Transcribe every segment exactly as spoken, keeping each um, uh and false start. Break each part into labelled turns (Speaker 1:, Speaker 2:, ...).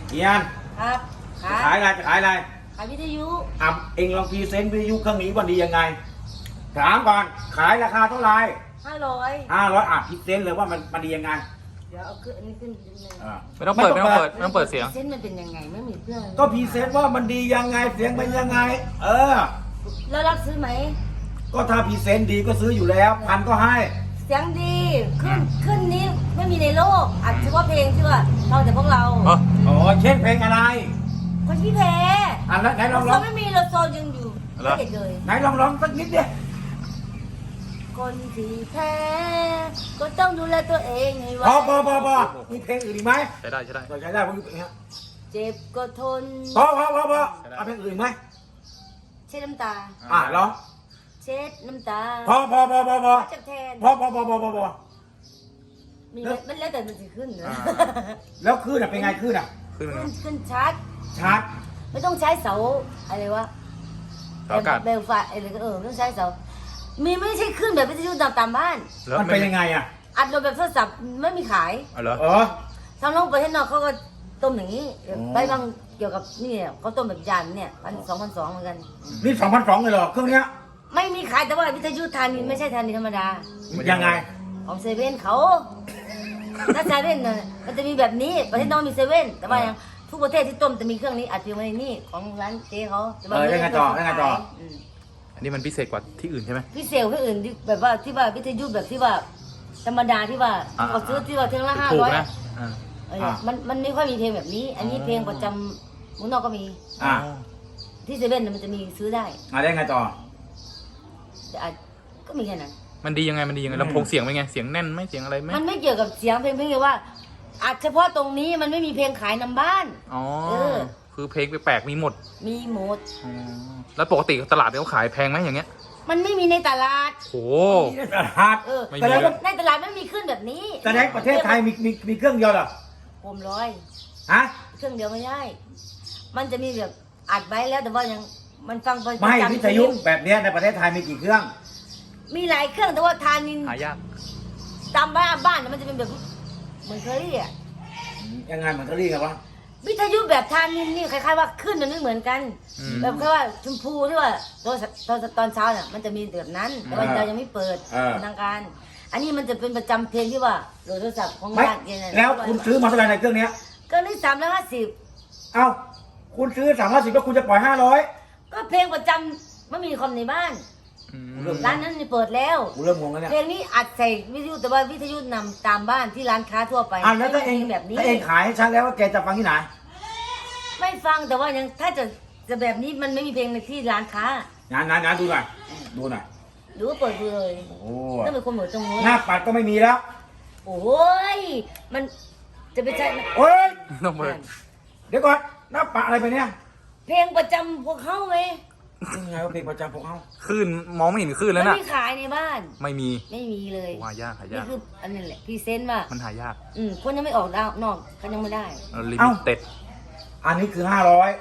Speaker 1: เอียน
Speaker 2: ครับ
Speaker 1: จะขายอะไรจะขายอะไร
Speaker 2: ขายวิทยุ
Speaker 1: อ่ะเองลองพรีเซนต์วิทยุเครื่องนี้ว่าดียังไงถามก่อนขายราคาเท่าไหร่
Speaker 2: ห้าร้อย
Speaker 1: ห้าร้อยอ่ะพรีเซนต์เลยว่ามันมันดียังไง
Speaker 2: เดี๋ยวเอาขึ้นอันนี้ขึ้นนิดนึง
Speaker 1: อ่ะ
Speaker 3: ไม่ต้องเปิดไม่ต้องเปิดไม่ต้องเปิดเสียง
Speaker 2: เส้นมันเป็นยังไงไม่มีเพื่อน
Speaker 1: ก็พรีเซนต์ว่ามันดียังไงเสียงเป็นยังไง เออ
Speaker 2: แล้วรับซื้อไหม
Speaker 1: ก็ถ้าพรีเซนต์ดีก็ซื้ออยู่แล้วพันก็ให้
Speaker 2: เสียงดีขึ้นขึ้นนี้ไม่มีในโลกอัดเฉพาะเพลงที่ว่าเราแต่พวกเรา
Speaker 3: อ๋อ
Speaker 1: อ๋อเช่นเพลงอะไร
Speaker 2: คนที่แพ้
Speaker 1: อ่ะแล้วไหนลองร้
Speaker 2: เรา
Speaker 1: อง
Speaker 2: ไม่มีเราโซนยังอยู่ไม่เด็ดเลย
Speaker 1: ไหนลองร้องสักนิดเดียว
Speaker 2: คนที่แพ้ก็ต้องดูแลตัวเองให้ไว้
Speaker 1: พอพอพอพอมีเพลงอื่นอีกไหม
Speaker 3: ใช้ได้ใช้ได้
Speaker 1: เราใช้ได้ผมอย่างเงี้ย
Speaker 2: เจ็บก็ทน
Speaker 1: พอพอพอพอเอาเพลงอื่นไหม
Speaker 2: เช็ดน้ำตา
Speaker 1: อ่ะร้อง
Speaker 2: เช็ดน้ำตา
Speaker 1: พอพอพอพอพอ
Speaker 2: จับแทน
Speaker 1: พอพอพอพอพอพอ
Speaker 2: มีมันแล้วแต่มันจะขึ้นนะ
Speaker 1: แล้วคลื่นอ่ะเป็นไงคลื่นอ่ะ
Speaker 3: ขึ้นมา
Speaker 2: ขึ้นขึ้นชาร์จ
Speaker 1: ชาร์จ
Speaker 2: ไม่ต้องใช้เสาอะไรวะ
Speaker 3: เสาอากาศ
Speaker 2: เบลฟ้าอะไรก็เออไม่ต้องใช้เสา มีไม่ใช่ขึ้นแบบวิทยุตามตามบ้าน
Speaker 3: แล้ว
Speaker 1: มันเป็นยังไงอ่ะ
Speaker 2: อัดลมแบบโทรศัพท์ไม่มีขาย
Speaker 3: เอาเหรอ
Speaker 1: เออ
Speaker 2: ทางโลกประเทศนอกเขาก็ต้มอย่างนี้
Speaker 1: อ๋อ
Speaker 2: ไปบางเกี่ยวกับนี่เขาต้มแบบยานเนี่ยพันสองพันสองเหมือนกัน
Speaker 1: นี่สองพันสองเลยเหรอเครื่องเนี้ย
Speaker 2: ไม่มีขายแต่ว่าวิทยุทานินไม่ใช่ทานินธรรมดา
Speaker 1: ยังไง
Speaker 2: ของเซเว่นเขา ถ้าเซเว่นน่ะมันจะมีแบบนี้ประเทศนอกมีเซเว่นแต่ว่ายังทุกประเทศที่ต้มจะมีเครื่องนี้อัดเพียงไว้ในนี่ของร้านเจ๊เขาแต่ว่า
Speaker 1: เออได้ไงต่อได้ไงต่อ
Speaker 2: ม
Speaker 3: อันนี้มันพิเศษกว่าที่อื่นใช่ไหม
Speaker 2: พี่เซลที่อื่นที่แบบว่าที่ว่าวิทยุแบบที่ว่าธรรมดาที่ว่า
Speaker 3: อ่า
Speaker 2: เขาซื้อที่ว่าเท่าละห้า
Speaker 3: ถูก
Speaker 2: ร้อย
Speaker 3: นะอ่า
Speaker 2: เออมันมันไม่ค่อยมีเพลงแบบนี้ อันนี้เพลงประจำเมืองนอกก็มี
Speaker 1: อ่ะ
Speaker 2: ที่เซเว่นน่ะมันจะมีซื้อได้
Speaker 1: อ่ะได้ไงต่อ
Speaker 2: แต่อาจก็มีแค่นั้น
Speaker 3: มันดียังไงมันดียังไง
Speaker 1: อืม
Speaker 3: ลำโพงเสียงเป็นไงเสียงแน่นไหมเสียงอะไรไหม
Speaker 2: มันไม่เกี่ยวกับเสียงเพลงเพียงแต่ว่าอาจเฉพาะตรงนี้มันไม่มีเพลงขายนำบ้าน
Speaker 3: อ๋อ
Speaker 2: เออ
Speaker 3: คือเพลงแปลกๆมีหมด
Speaker 2: มีหมด
Speaker 3: อ๋อแล้วปกติตลาดเขาขายแพงไหมอย่างเงี้ย
Speaker 2: มันไม่มีในตลาด
Speaker 3: โห
Speaker 1: นี่ตลาด
Speaker 2: เออ
Speaker 3: ไม่มี
Speaker 1: แต่แล้วก็
Speaker 2: ในตลาดไม่มีขึ้นแบบนี้
Speaker 1: แต่ในประเทศไทยมีมีมีเครื่องเดียวเหรอ
Speaker 2: ผมร้อย
Speaker 1: ฮะ
Speaker 2: เครื่องเดียวไม่ได้ มันจะมีแบบอัดไว้แล้วแต่ว่ายังมันฟังประ
Speaker 1: ไม่
Speaker 2: จำ
Speaker 1: วิทยุแบบเนี้ยในประเทศไทยมีกี่เครื่อง
Speaker 2: มีหลายเครื่องแต่ว่าทานิน
Speaker 3: หายาก
Speaker 2: ตามบ้านบ้านน่ะมันจะเป็นแบบเหมือนเคอรี่อ่ะ
Speaker 1: ยังไงมันก็เรียกกันว่า
Speaker 2: วิทยุแบบทานินนี่คล้ายๆว่าขึ้นมันไม่เหมือนกัน
Speaker 3: อืม
Speaker 2: แบบแค่ว่าชมพูที่ว่าตอนตอนตอนเช้าเนี่ยมันจะมีแบบนั้น แต่ว่าเรายังไม่เปิดเป็นทางการ อันนี้มันจะเป็นประจำเพลงที่ว่าโหลดโทรศัพท์ของ
Speaker 1: ไม่
Speaker 2: บ้านเนี่ยนะ
Speaker 1: แล้วคุณซื้อมาเท่าไหร่ในเครื่องเนี้ย
Speaker 2: ก็นี่สามร้อยห้าสิบ
Speaker 1: เอ้าคุณซื้อสามร้อยสิบแล้วคุณจะปล่อยห้าร้อย
Speaker 2: ก็เพลงประจำไม่มีคอมในบ้าน
Speaker 3: อืม
Speaker 2: ร้านนั้นนี่เปิดแล้ว
Speaker 1: กูเริ่มงงแล้วเนี่ย
Speaker 2: เพลงนี้อัดใส่วิทยุแต่ว่าวิทยุนำตามบ้านที่ร้านค้าทั่วไป
Speaker 1: อ่ะแล้วถ้าเอง
Speaker 2: ไม่มีแบบนี้
Speaker 1: ถ้าเองขายให้ฉันแล้วว่าแกจะฟังที่ไหน
Speaker 2: ไม่ฟังแต่ว่ายังถ้าจะจะแบบนี้มันไม่มีเพลงในที่ร้านค้า
Speaker 1: งานงานงานดูหน่อยดูหน่อย
Speaker 2: หรือว่าเปิดดูเลย
Speaker 1: โอ้
Speaker 2: ต้องเป็นคนเหมือนตรงนู้น
Speaker 1: หน้าปัดก็ไม่มีแล้ว
Speaker 2: โอ้ยมันจะไปใช้
Speaker 1: โอ้ย
Speaker 3: ต้องเปิด
Speaker 1: เดี๋ยวก่อนหน้าปัดอะไรไปเนี่ย
Speaker 2: เพลงประจำพวกเขาไหม
Speaker 1: ยังไงว่าเพลงประจำพวกเขา
Speaker 3: คลื่นมองไม่เห็นคลื่นแล้ว
Speaker 2: ไม่
Speaker 3: น่ะ
Speaker 2: มีขายในบ้าน
Speaker 3: ไม่มี
Speaker 2: ไม่มีเลย
Speaker 3: โอ้หายากหายา
Speaker 2: นี่
Speaker 3: ก
Speaker 2: คืออันนี้แหละพรีเซนต์ว่า
Speaker 3: มันหายาก
Speaker 2: อืมคนยังไม่ออกดาวนอกก็ยังไม่ได้
Speaker 3: ลิมิเต็ด
Speaker 1: อันนี้คือห้าร้อย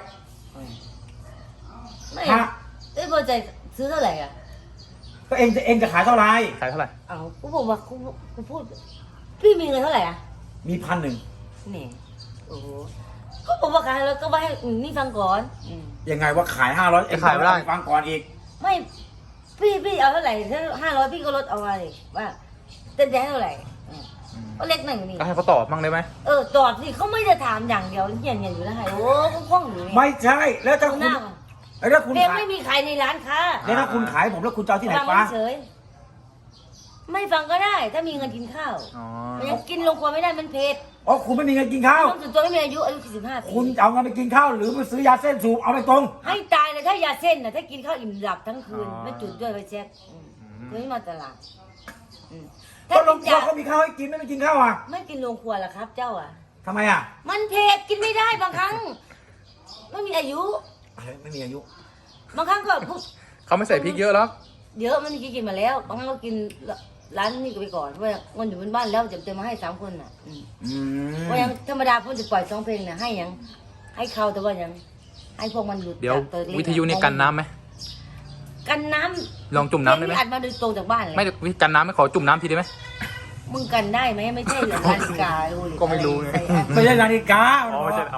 Speaker 2: ไม่
Speaker 1: ฮะ
Speaker 2: เอ้ยพอใจซื้อเท่าไหร่อ่ะ
Speaker 1: ก็เองจะเองจะขายเท่าไหร่
Speaker 3: ขายเท่าไหร่
Speaker 2: เอากูบอกว่ากูกูพูด พี่มีเงินเท่าไหร่อ่ะ
Speaker 1: มีพันหนึ่ง
Speaker 2: นี่โอ้โหก็บอกว่าขายแล้วก็ว่าให้อืมนี่ฟังก่อนอืม
Speaker 1: ยังไงว่าขายห้าร้อยเองฟังก่อนอีก
Speaker 2: ไม่พี่พี่เอาเท่าไหร่ถ้าห้าร้อยพี่ก็ลดเอาไว้ว่าเต้นได้เท่าไหร่อืมก็เล็กหน่อยนี่
Speaker 3: ก็ให้เขาตอบบ้างได้ไหม
Speaker 2: เออตอบสิเขาไม่ได้ถามอย่างเดียวเงียบเงียบอยู่แล้วไงโอ้คล่องๆอยู่นี่
Speaker 1: ไม่ใช่แล้วถ้า
Speaker 2: ดู
Speaker 1: คุ
Speaker 2: ห
Speaker 1: ณ
Speaker 2: น้าก่อน
Speaker 1: แล้วคุณ
Speaker 2: เพลง
Speaker 1: ขาย
Speaker 2: ไม่มีขายในร้านค้า
Speaker 1: แล้วถ้าคุณขายผมแล้วคุณจะเอาที่ไหน
Speaker 2: ฟัง
Speaker 1: ฟ้า
Speaker 2: เฉยไม่ฟังก็ได้ ถ้ามีเงินกินข้าว
Speaker 3: อ๋อ
Speaker 2: มันยังกินลงครัวไม่ได้มันเผ็ด
Speaker 1: อ๋อคุณไม่มีเงินกินข้าว
Speaker 2: ต้องถึงตัวไม่มีอายุอายุสี่สิบห้าปี
Speaker 1: คุณเอาเงินไปกินข้าวหรือไปซื้อยาเส้นสูบเอาไปตรง
Speaker 2: ให้ตายเลยถ้ายาเส้นน่ะถ้ากินข้าวอิ่มหลับทั้งคืนไม่จุดด้วยไปเช็คเดี๋ยวไม่มาตลาดอืม
Speaker 1: ก็
Speaker 2: ถ้า
Speaker 1: ล
Speaker 2: กิ
Speaker 1: ง
Speaker 2: น
Speaker 1: ครัวย
Speaker 2: า
Speaker 1: เขามีข้าวให้กินไม่ไปกินข้าวอ่ะ
Speaker 2: ไม่กินโรงครัวล่ะครับ เจ้าอ่ะ
Speaker 1: ทำไมอ่ะ
Speaker 2: มันเผ็ดกินไม่ได้บางครั้ง ไม่มีอายุ
Speaker 1: ไม่มีอายุ
Speaker 2: บางครั้งก็พวก
Speaker 3: เขาไม่ใส่พริกเยอะหรอก
Speaker 2: เดี๋ยวมันกินมาแล้ว บางครั้งก็กินร้านนี้ก็ไปก่อนเพราะว่าเงินอยู่บนบ้านแล้วจะจะมาให้สามคนน่ะอืม
Speaker 1: อืม
Speaker 2: เพราะยังธรรมดาเพิ่นจะปล่อยสองเพลงน่ะให้ยังให้เขาแต่ว่ายังให้พวกมันหลุด
Speaker 3: เดี๋ยว
Speaker 2: จากตัวเลข
Speaker 3: วิทยุนี่กันน้ำไหม
Speaker 2: กันน้ำ
Speaker 3: ลองจุ่มน้ำได้ไหม
Speaker 2: เพลงอัดมาโดยตรงจากบ้านเลย
Speaker 3: ไม่วิกันน้ำไม่ขอจุ่มน้ำทีได้ไหม
Speaker 2: มึงกันได้ไหมไม่ใช่เหรอนาฬิกาดูดิ
Speaker 3: ก็ไม่รู้ไง
Speaker 2: ใส่อัน
Speaker 1: ไม่ใช่นาฬิกา
Speaker 3: อ๋อไม่ใช่อ๋ออ๋อ
Speaker 2: รอ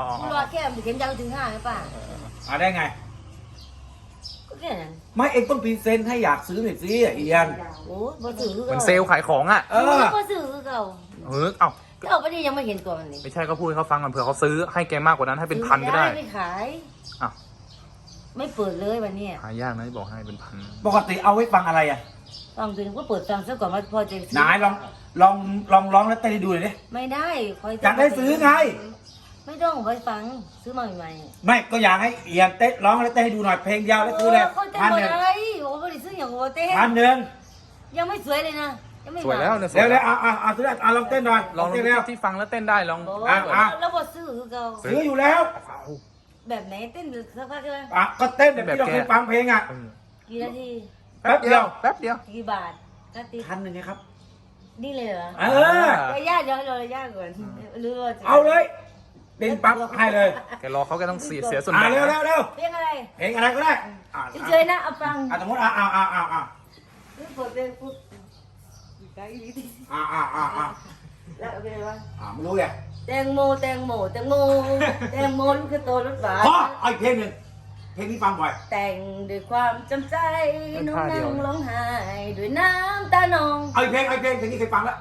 Speaker 2: ว่าแค่เข็มยาวถึงห้าหรือเปล่า
Speaker 1: อ่าได้ไง
Speaker 2: ก็แค่นั้น
Speaker 1: ไม่เองต้องพรีเซนต์ให้อยากซื้อหน่อยสิเอียน
Speaker 2: โอ้บ่ซื้อคือ
Speaker 3: เหมื
Speaker 2: เก่า
Speaker 3: อนเซลล์ขายของอ่ะ
Speaker 1: เอ
Speaker 2: เอ
Speaker 1: อ
Speaker 2: อบ่ซื้อคือเก่า
Speaker 3: เออเอ้า
Speaker 2: เก่าปะนี่ยังไม่เห็นตัวมันเลย
Speaker 3: ไม่ใช่ก็พูดให้เขาฟังก่อนเผื่อเขาซื้อให้แกมากกว่านั้นให้เป็นพันก็ได้
Speaker 2: ไม่ขาย
Speaker 3: อ้าว
Speaker 2: ไม่เปิดเลยวันนี้
Speaker 3: หายากนะที่บอกให้เป็นพัน
Speaker 1: ปกติเอาไว้ฟังอะไรอ่ะ
Speaker 2: ฟังเพลงก็เปิดฟังซะก่อนว่าพอจะซื้
Speaker 1: ไหนายลองลองลองร้องแล้วเต้นให้ดูหน่อยดิ
Speaker 2: ไม่ได้คอย
Speaker 1: อยากได้ซื้อไง
Speaker 2: ไม่ต้องไว้ฟังซื้อมาใหม่
Speaker 1: ไม่ก็อยากให้เอียนเต้นร้องแล้วเต้นให้ดูหน่อยเพลงยาว
Speaker 2: ๆ
Speaker 1: แล้วซื้อเลย
Speaker 2: เขาเต้น
Speaker 1: พัน
Speaker 2: หม
Speaker 1: ห
Speaker 2: ด
Speaker 1: นึ่ง
Speaker 2: อะไรโอ้ไม่ได้ซื้ออย่างโอเต้
Speaker 1: พันหนึ่ง
Speaker 2: ยังไม่สวยเลยนะยังไม่
Speaker 3: สวยแล้วเนี่ยส
Speaker 1: เร็
Speaker 3: ว
Speaker 1: วย เร็วเอาเอาเอาซื้อเอาลองเต้นหน่อย
Speaker 3: ลอง
Speaker 1: เต้นเร็ว
Speaker 3: ที่ฟังแล้วเต้นได้ลอง
Speaker 2: โอ้
Speaker 1: อ่ะอ่ะ
Speaker 2: แล้วบอซื้อคือเก่า
Speaker 1: ซื้ออยู่แล้ว
Speaker 3: เอา
Speaker 2: แบบไหนเต้นสักพักใช่ไหม
Speaker 1: อ่ะก็เต้นแบบที่เราเคยฟังเพลงอ่ะ
Speaker 3: เออ
Speaker 2: กี่นาที
Speaker 1: แป๊บเดียว
Speaker 3: แป๊บเดียว
Speaker 2: กี่บาทนาที
Speaker 1: พันหนึ่งไงครับ
Speaker 2: นี่เลยเหรอ
Speaker 1: เออ
Speaker 2: เดี๋ยวญาติเดี๋ยวให้เราญาติก่อนหรือว่าจะ
Speaker 1: เอาเลยเต้นปั๊บให้เลย
Speaker 3: แกรอเขาแกต้องเสียเสียส่วน
Speaker 1: อ่ะ
Speaker 3: แบ่ง
Speaker 1: เร็วเร็
Speaker 3: นะ
Speaker 1: วเร็ว
Speaker 2: เพลงอะไร
Speaker 1: เพลงอะไรก็ได้อ่ะ
Speaker 2: เฉยๆนะเอาฟัง
Speaker 1: อ่ะสมมติอ่ะอ่ะอ่ะอ่ะอ่ะ
Speaker 2: เปิดเพลงปุ๊บได้ดีดี
Speaker 1: อ่ะอ่ะอ่ะอ่ะ
Speaker 2: แล้วเอาไปเลยวะ
Speaker 1: อ่ะไม่รู้ไง
Speaker 2: แตงโมแตงโมแตงโมแตงโมลูกกระโตรถหวาน
Speaker 1: พอเอาอีกเพลงหนึ่งเพลงที่ฟังบ่อย
Speaker 2: แต่งด้วยความจำใจน้องนั่งร้องไห้ด้วยน้ำตานอง
Speaker 1: เอาอีกเพลงเอาอีกเพลงเพลงนี้เคยฟังแล้ว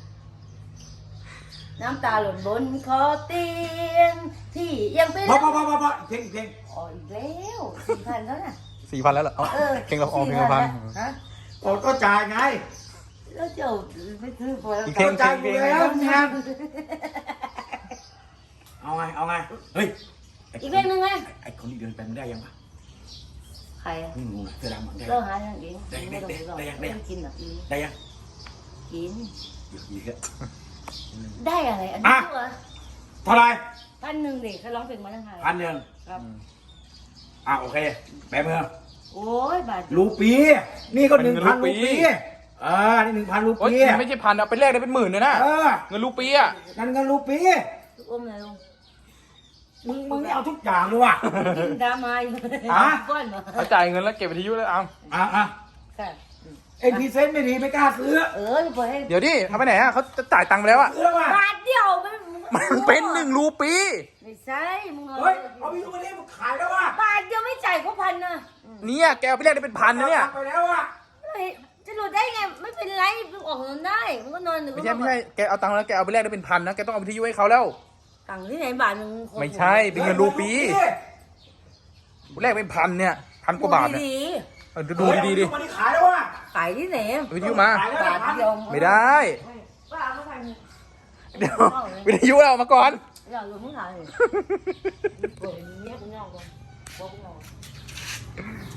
Speaker 2: น้ำตาหล่นบนคอเตียงที่ยังเป็น
Speaker 1: พอพอพอพอพออีกเพลงอีกเพลง
Speaker 2: อ๋ออีกแล้วสี่พันแล้วน่ะ
Speaker 3: สี่พันแล้วเหรอเอา
Speaker 2: เออ
Speaker 3: เพลงเราออกเพลงละพัน
Speaker 2: ฮะ
Speaker 1: โอ้ก็จ่ายไง
Speaker 2: แล้วเจ้าไม่ซื้อพอแล้ว
Speaker 3: อีก
Speaker 2: กั
Speaker 3: เพล
Speaker 2: น
Speaker 3: งเพลงเพลง
Speaker 1: แล้วเนี่ยเอาไงเอาไงเฮ้ย
Speaker 2: อีกเพลงหนึ่งไง
Speaker 1: ไอ้คนที่เดินไปมันได้ยังวะ
Speaker 2: ใครอะ
Speaker 1: ไม่รู้นะเสื้อดำมันได้
Speaker 2: เราหาอย่างเอง
Speaker 1: ได้
Speaker 2: ไม่ต้องไปหรอก
Speaker 1: ได้ยังได้
Speaker 2: ไม่
Speaker 1: ยัง
Speaker 2: กินหรอกอี
Speaker 1: ได้ยัง
Speaker 2: กิน
Speaker 1: เดี๋ยวอีกแล้ว
Speaker 2: ได้อะไรอันนี้ตัว
Speaker 1: เท่าไหร
Speaker 2: พันหนึ่งเด็กเขาร้องเพลงมาทั้งไทย
Speaker 1: พันหนึ่ง
Speaker 2: ครับ
Speaker 1: อ่ะโอเคแปะมือ
Speaker 2: โอ้ยบาท
Speaker 1: รูปีนี่ก็หนึ่งพันรูปีอ่านี่หนึ่งพันรู
Speaker 3: โอ๊ย
Speaker 1: ปี
Speaker 3: มันไม่ใช่พันเอาไปแลกได้เป็นหมื่นเลยนะ
Speaker 1: เออ
Speaker 3: เงินรูปีอ่ะ
Speaker 1: นั่นเงินรูปี
Speaker 2: ลูกอมเลยลุง
Speaker 1: มึงมึงนี่เอาทุกอย่างเลยว่ะ
Speaker 2: กินดรามาอยู่
Speaker 1: ฮะ
Speaker 2: ก้อนมา
Speaker 3: เขาจ่ายเงินแล้วเก็บวิทยุเลยเอา
Speaker 1: อ่ะอ่ะ
Speaker 2: ค่ะ
Speaker 1: เอ็นพีเซนต์ไม่ดีไม่กล้าซื้อ
Speaker 2: เออเปิดให้
Speaker 3: เดี๋ยวดิเอาไปไหนอ่ะเขาจะจ่ายตังค์ไปแล้วอ่ะ
Speaker 1: ซื้อแล้วว่ะ
Speaker 2: บาทเดียวมัน
Speaker 3: มันเป็นหนึ่งรูปี
Speaker 2: ไม่ใช่มึง
Speaker 1: เฮ้ยเอาไปดูมาดิมึงขายแล้วว่ะ
Speaker 2: บาทเดียวไม่จ่ายก็พันนะ
Speaker 3: เนี่ยแกเอาไปแลกได้เป็นพันนะเนี่ย
Speaker 1: ไปแล้วอ่ะ
Speaker 2: เฮ้ยจะหลุดได้ไงไม่เป็นไรมึงออกเงินได้มึงก็นอนหนึ่ง
Speaker 3: ไม่ใช่ไม่ใช่แกเอาตังค์แล้วแกเอาไปแลกได้เป็นพันนะแกต้องเอาวิทยุให้เขาแล้ว
Speaker 2: ตังค์ที่ไหนบาทหนึ่ง
Speaker 3: ไม่ใช่เป็นเงินรูปีแลกเป็นพันเนี่ยพันกว่าบาทเนี่ย
Speaker 2: ดี
Speaker 3: เออดูดีๆดิ
Speaker 1: มันขายแล้วว่ะ
Speaker 2: ๆขายที่ไหน
Speaker 3: เอาวิทยุมา
Speaker 1: ขายแล้ว
Speaker 2: บาท
Speaker 1: พัน
Speaker 2: เดียว
Speaker 3: ไม่ได้
Speaker 2: ว่าเอามาพัน
Speaker 3: เดี๋ยววิทยุเราเอามาก่อน
Speaker 2: อย่าหลุดมึงขายเลยเปิดเนี้ยกูเงาก่อนบอกกูเงา